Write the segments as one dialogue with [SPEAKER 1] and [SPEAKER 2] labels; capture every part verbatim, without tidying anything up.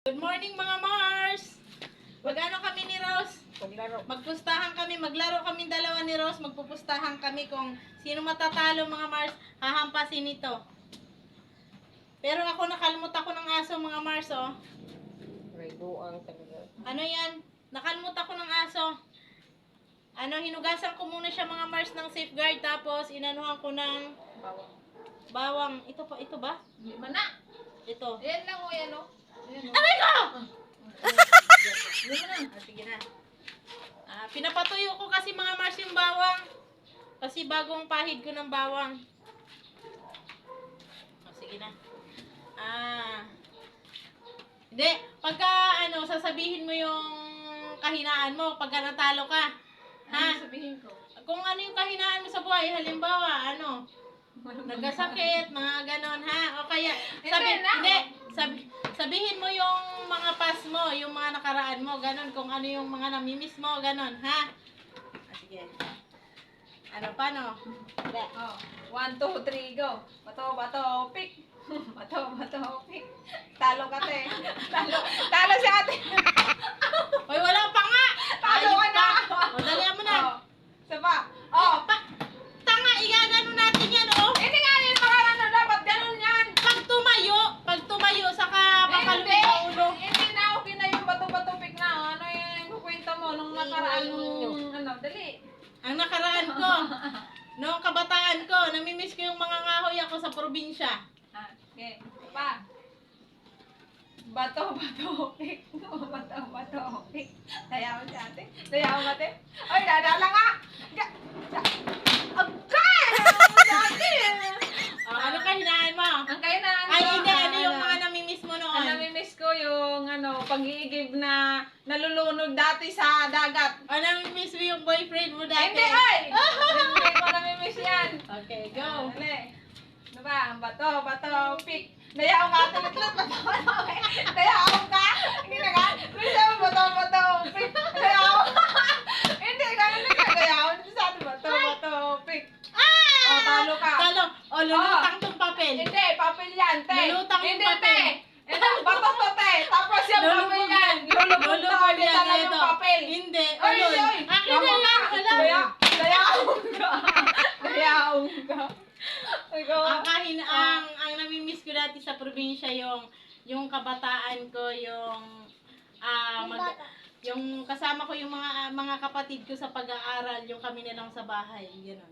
[SPEAKER 1] Good morning mga Mars! Mag-ano kami ni Rose?
[SPEAKER 2] Maglaro.
[SPEAKER 1] Magpustahan kami, maglaro kami dalawa ni Rose, magpupustahan kami kung sino matatalo mga Mars, hahampasin ito. Pero ako nakalmut ako ng aso mga Mars oh.
[SPEAKER 2] May buang talaga.
[SPEAKER 1] Ano yan? Nakalmut ako ng aso. Ano, hinugasan ko muna siya mga Mars ng safeguard tapos inanuhan ko ng
[SPEAKER 2] Bawang.
[SPEAKER 1] bawang. Ito pa, ito ba?
[SPEAKER 3] Hindi man na.
[SPEAKER 1] Ito.
[SPEAKER 3] Yan lang o, yan o. Yan o.
[SPEAKER 1] Aray ko!
[SPEAKER 3] Hindi mo na.
[SPEAKER 1] Ah, sige na. Ah, pinapatuyo ko kasi mga Mars yung bawang. Kasi bagong pahid ko ng bawang. Oh, sige na. Ah. Hindi, pagka ano, sasabihin mo yung kahinaan mo pagka natalo ka. Ha?
[SPEAKER 3] Ano sabihin ko?
[SPEAKER 1] Kung ano yung kahinaan mo sa buhay, halimbawa, ano, nagkasakit, mga ganon, ha? O kaya, sabi,
[SPEAKER 3] Hindi na.
[SPEAKER 1] hindi, sabi, sabihin mo yung mga past mo, yung mga nakaraan mo, ganon, kung ano yung mga namimiss mo, ganon, ha? Ah, sige. Ano, paano? Hindi.
[SPEAKER 3] Oh, one, two, three, go. Bato, bato, pick. Bato, bato, pick. Talo ka, te. Talo, talo si ate.
[SPEAKER 1] Hoy, wala pa nga!
[SPEAKER 3] Talo
[SPEAKER 1] Ayun
[SPEAKER 3] ka na.
[SPEAKER 1] pa. O, dalihan mo na.
[SPEAKER 3] Oh, saba. Oh,
[SPEAKER 1] Pa, tanga, igagano natin yan, oh.
[SPEAKER 3] hindi nga yun pangalan na dapat. Ganun yan.
[SPEAKER 1] Pag tumayo, pag tumayo, saka pakalupit
[SPEAKER 3] Hindi.
[SPEAKER 1] sa ulo.
[SPEAKER 3] Hindi na okay na yung bato, bato, pick na. Ano yung kukwento mo nung nakaraan nung ano, dali.
[SPEAKER 1] Ang nakaraan ko, noong kabataan ko, namimiss ko yung mga ngahoy ako sa probinsya.
[SPEAKER 3] Ah, okay. Pa. Bato, bato, pick. Bato, bato, pick. Dayaw si ate. Dayaw ka, ate. Ay, dadala nga. Ga- da- Agay! Si ate.
[SPEAKER 1] Oh, ano kahinaan mo?
[SPEAKER 3] Ang kayo na ano?
[SPEAKER 1] Ay, hindi. Ano yung
[SPEAKER 3] ano,
[SPEAKER 1] mga namimiss mo
[SPEAKER 3] Ang
[SPEAKER 1] noon?
[SPEAKER 3] namimiss ko yung ano, pag-iigib na nalulunod dati sa dagat.
[SPEAKER 1] O, namimiss mo yung boyfriend mo
[SPEAKER 3] Ay,
[SPEAKER 1] dati?
[SPEAKER 3] hindi, ay! Hindi ko namimiss yan.
[SPEAKER 1] Okay,
[SPEAKER 3] Go.
[SPEAKER 1] go.
[SPEAKER 3] Dali. Ano ba? Bato, bato, pick. Dayaw ka, tulit-tulit, bato, bato, pick. Dayaw ka. Hindi na ka. Bisa mo, bato, bato, pick. Dayaw. Hindi, ganun na ka. Dayaw. Sa atin, bato, bato, pick.
[SPEAKER 1] Ah!
[SPEAKER 3] Oh, talo ka.
[SPEAKER 1] Talo. O, lulutang tong papel.
[SPEAKER 3] Hindi, papel yan, te.
[SPEAKER 1] Lulutang yung
[SPEAKER 3] Hindi,
[SPEAKER 1] papel.
[SPEAKER 3] te. Ito, bato to, te. Tapos yung papel yan. Lulubog na ulit
[SPEAKER 1] yan,
[SPEAKER 3] na yung
[SPEAKER 1] ito.
[SPEAKER 3] papel.
[SPEAKER 1] Hindi.
[SPEAKER 3] Ay,
[SPEAKER 1] Ulol.
[SPEAKER 3] ay.
[SPEAKER 1] Akin na yan. Wala.
[SPEAKER 3] Dayaw. Dayaw ka. Dayaw ka. Ikaw.
[SPEAKER 1] Ang kahin ang ang namimiss ko dati sa probinsya yung yung kabataan ko, yung ah mag, yung kasama ko yung mga mga kapatid ko sa pag-aaral, yung kami na lang sa bahay, gano'n.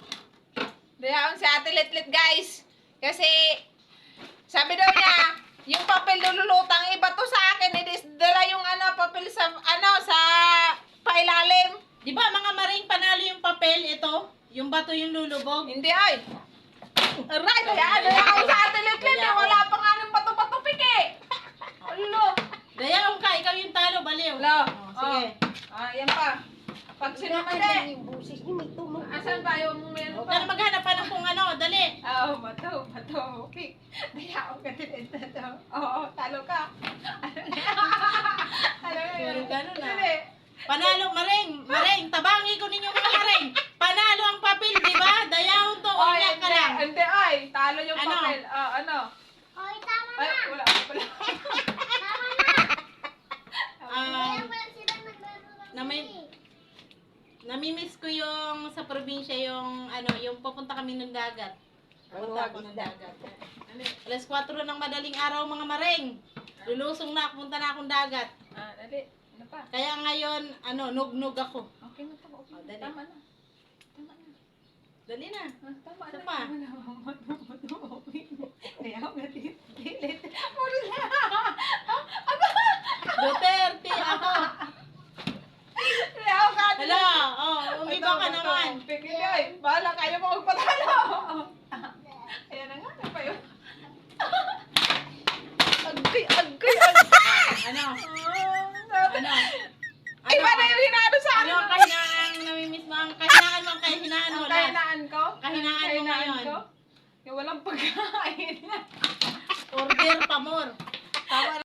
[SPEAKER 3] Dayaon si Ate Litlit, guys. Kasi, sabi daw niya, yung papel lulutang, iba to sa akin. Dala yung ano, papel sa, ano, sa pailalim.
[SPEAKER 1] Di ba mga maring panalo yung papel, ito, yung bato yung lulubog.
[SPEAKER 3] Hindi, ay. Aray, dayaan, dayaon sa Ate Litlit. Eh. Wala pa nga ng bato-bato piki. Ulo.
[SPEAKER 1] Dayaon ka, ikaw yung talo, baliw.
[SPEAKER 3] Ulo.
[SPEAKER 1] Oh, sige.
[SPEAKER 3] Ah, yan pa. Pag sinamali.
[SPEAKER 2] Yung busis niyo, may tunog.
[SPEAKER 3] Asan ba yung meron
[SPEAKER 1] Huwag ka
[SPEAKER 3] pa?
[SPEAKER 1] na maghanap pa ng kung ano, dali.
[SPEAKER 3] Oh, bato, bato, okay. Dayaon ka din ito. Oo, talo ka. Ano na yun?
[SPEAKER 1] Puro ganun, ah.
[SPEAKER 3] Dali.
[SPEAKER 1] Panalo, maring, maring, tabangi ko ninyo mga maring. Panalo ang papel, di ba? Dayaon to,
[SPEAKER 3] Oy,
[SPEAKER 1] umiyak ka
[SPEAKER 3] hindi,
[SPEAKER 1] lang.
[SPEAKER 3] hindi, ay. Talo yung
[SPEAKER 1] Ano?
[SPEAKER 3] papel. Oh, ano?
[SPEAKER 4] Hoy, tama
[SPEAKER 3] Ay,
[SPEAKER 4] na!
[SPEAKER 3] wala, wala.
[SPEAKER 4] Tama na!
[SPEAKER 1] Ah,
[SPEAKER 4] Kaya pala sila naglaro ng
[SPEAKER 1] na may-
[SPEAKER 4] sili.
[SPEAKER 1] namimiss ko yung sa probinsya, yung ano, yung pupunta kami ng dagat. Pupunta ako ng dagat.
[SPEAKER 3] Ano?
[SPEAKER 1] Alas kwatro ng madaling araw mga maring. Lulusong na, punta na akong dagat.
[SPEAKER 3] Ah, dali. Ano pa?
[SPEAKER 1] Kaya ngayon, ano, nug-nug ako.
[SPEAKER 3] Okay na to. Okay.
[SPEAKER 1] Oh, dali.
[SPEAKER 3] Tama na. Tama na.
[SPEAKER 1] Dali na.
[SPEAKER 3] Ah, tama
[SPEAKER 1] Isa
[SPEAKER 3] na.
[SPEAKER 1] pa.
[SPEAKER 3] Tama na. Tama na. Okay. Dayaw ka din. Dilit. Puro na.
[SPEAKER 1] Duterte, ako.
[SPEAKER 3] Dayaw ka din.
[SPEAKER 1] Hala, oh, umiba ka naman.
[SPEAKER 3] Pigilay. Bahala kayo mo magpatalo. Ayan na nga. Ano pa yun? Agay, agay, agay.
[SPEAKER 1] Ano?
[SPEAKER 3] Ano?
[SPEAKER 1] Ano?
[SPEAKER 3] Ay, ba na yung hinado sa
[SPEAKER 1] Ano
[SPEAKER 3] akin?
[SPEAKER 1] ang kahinaan namimiss mo? Ang kahinaan mo, ang kahinaan mo.
[SPEAKER 3] Ang
[SPEAKER 1] lahat.
[SPEAKER 3] kahinaan ko?
[SPEAKER 1] Kahinaan mo
[SPEAKER 3] Kahinaan
[SPEAKER 1] ngayon.
[SPEAKER 3] ko? Yung walang pagkain.
[SPEAKER 1] Order pa more. Tawa